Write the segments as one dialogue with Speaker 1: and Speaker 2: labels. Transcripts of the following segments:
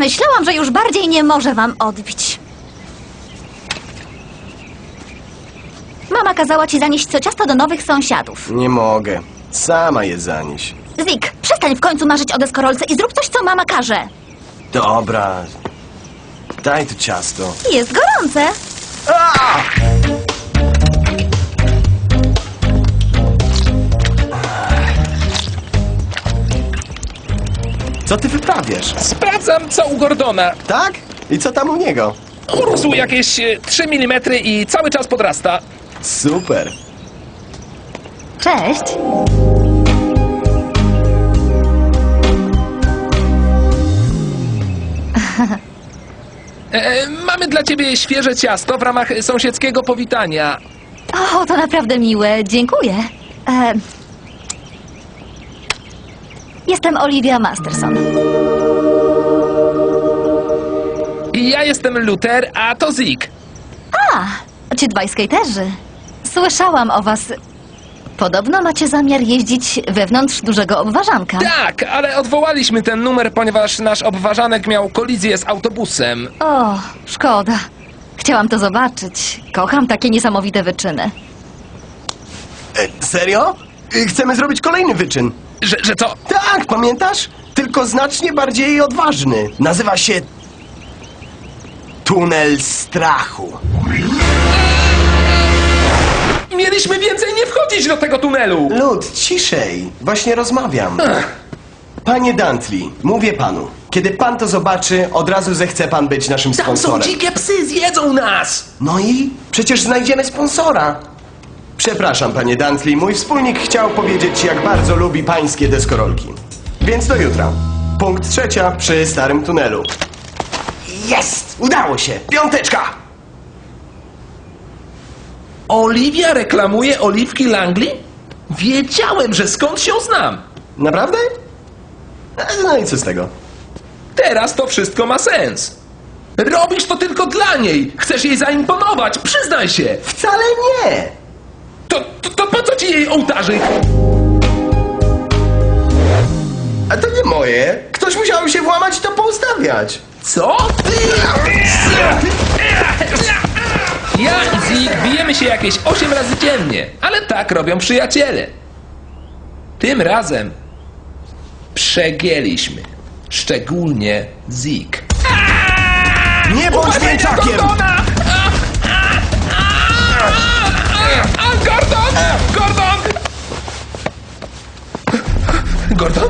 Speaker 1: Myślałam, że już bardziej nie może wam odbić. Mama kazała ci zanieść co ciasto do nowych sąsiadów.
Speaker 2: Nie mogę. Sama je zanieś.
Speaker 1: Zik, przestań w końcu marzyć o deskorolce i zrób coś, co mama każe.
Speaker 2: Dobra. Daj to ciasto.
Speaker 1: Jest gorące.
Speaker 2: Co ty wyprawiasz?
Speaker 3: Sprawdzam, co u Gordona.
Speaker 2: Tak? I co tam u niego?
Speaker 3: Urósł jakieś 3 mm i cały czas podrasta.
Speaker 2: Super.
Speaker 1: Cześć.
Speaker 3: Mamy dla ciebie świeże ciasto w ramach sąsiedzkiego powitania.
Speaker 1: O, to naprawdę miłe. Dziękuję. Jestem Olivia Masterson.
Speaker 3: I ja jestem Luther, a to Zik.
Speaker 1: A, ci dwaj skaterzy. Słyszałam o was. Podobno macie zamiar jeździć wewnątrz dużego obwarzanka.
Speaker 3: Tak, ale odwołaliśmy ten numer, ponieważ nasz obważanek miał kolizję z autobusem.
Speaker 1: O, szkoda. Chciałam to zobaczyć. Kocham takie niesamowite wyczyny.
Speaker 2: Serio? Chcemy zrobić kolejny wyczyn.
Speaker 3: Że co?
Speaker 2: Tak, pamiętasz? Tylko znacznie bardziej odważny. Nazywa się... Tunel strachu.
Speaker 3: Mieliśmy więcej nie wchodzić do tego tunelu.
Speaker 2: Lud, ciszej. Właśnie rozmawiam. Panie Dantley, mówię panu. Kiedy pan to zobaczy, od razu zechce pan być naszym
Speaker 3: Tam są
Speaker 2: sponsorem.
Speaker 3: dzikie psy, zjedzą nas.
Speaker 2: No i? Przecież znajdziemy sponsora. Przepraszam, panie Dantley, mój wspólnik chciał powiedzieć, jak bardzo lubi pańskie deskorolki. Więc do jutra. Punkt 3 przy starym tunelu. Jest! Udało się! 5!
Speaker 3: Olivia reklamuje oliwki Langley? Wiedziałem, że skąd się znam.
Speaker 2: Naprawdę? No i co z tego?
Speaker 3: Teraz to wszystko ma sens. Robisz to tylko dla niej. Chcesz jej zaimponować, przyznaj się.
Speaker 2: Wcale nie!
Speaker 3: To po co ci jej ołtarzyk?
Speaker 2: A to nie moje. Ktoś musiał się włamać i to poustawiać.
Speaker 3: Co? Ja i Zik bijemy się jakieś 8 razy dziennie, ale tak robią przyjaciele. Tym razem przegięliśmy. Szczególnie Zik.
Speaker 2: Nie bądź mięczakiem!
Speaker 3: Gordon! Gordon! Gordon?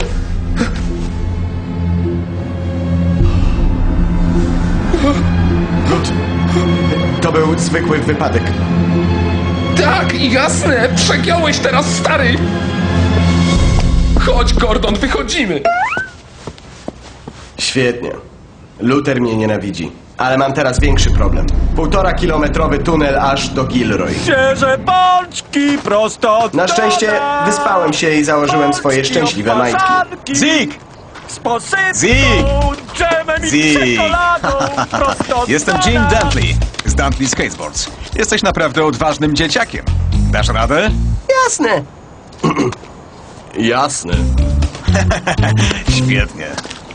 Speaker 2: Lud, to był zwykły wypadek.
Speaker 3: Tak, jasne! Przegiąłeś teraz, stary! Chodź, Gordon, wychodzimy!
Speaker 2: Świetnie. Luther mnie nienawidzi. Ale mam teraz większy problem. 1,5-kilometrowy tunel aż do Gilroy.
Speaker 4: Świeże pączki prosto od
Speaker 2: Na szczęście
Speaker 4: dola.
Speaker 2: wyspałem się i założyłem swoje
Speaker 4: Pączki
Speaker 2: szczęśliwe
Speaker 4: od
Speaker 2: majtki.
Speaker 4: faszanki.
Speaker 5: Zik!
Speaker 4: Z posypką,
Speaker 5: Zik!
Speaker 4: dżemem i
Speaker 5: Zik!
Speaker 4: czekoladą prosto od
Speaker 5: Jestem
Speaker 4: dola.
Speaker 5: Jim Dantley z Dantley Skateboards. Jesteś naprawdę odważnym dzieciakiem. Dasz radę?
Speaker 2: Jasne. Jasne.
Speaker 5: Świetnie.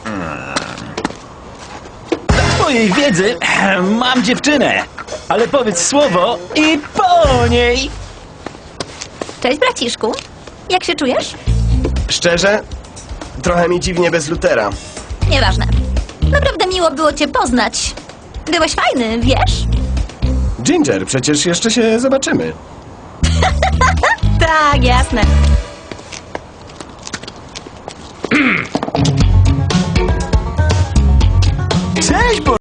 Speaker 6: Dla twojej wiedzy mam dziewczynę, ale powiedz słowo i po niej.
Speaker 1: Cześć, braciszku. Jak się czujesz?
Speaker 2: Szczerze, trochę mi dziwnie bez Luthera.
Speaker 1: Nieważne. Naprawdę miło było cię poznać. Byłeś fajny, wiesz?
Speaker 2: Ginger, przecież jeszcze się zobaczymy.
Speaker 1: Tak, jasne.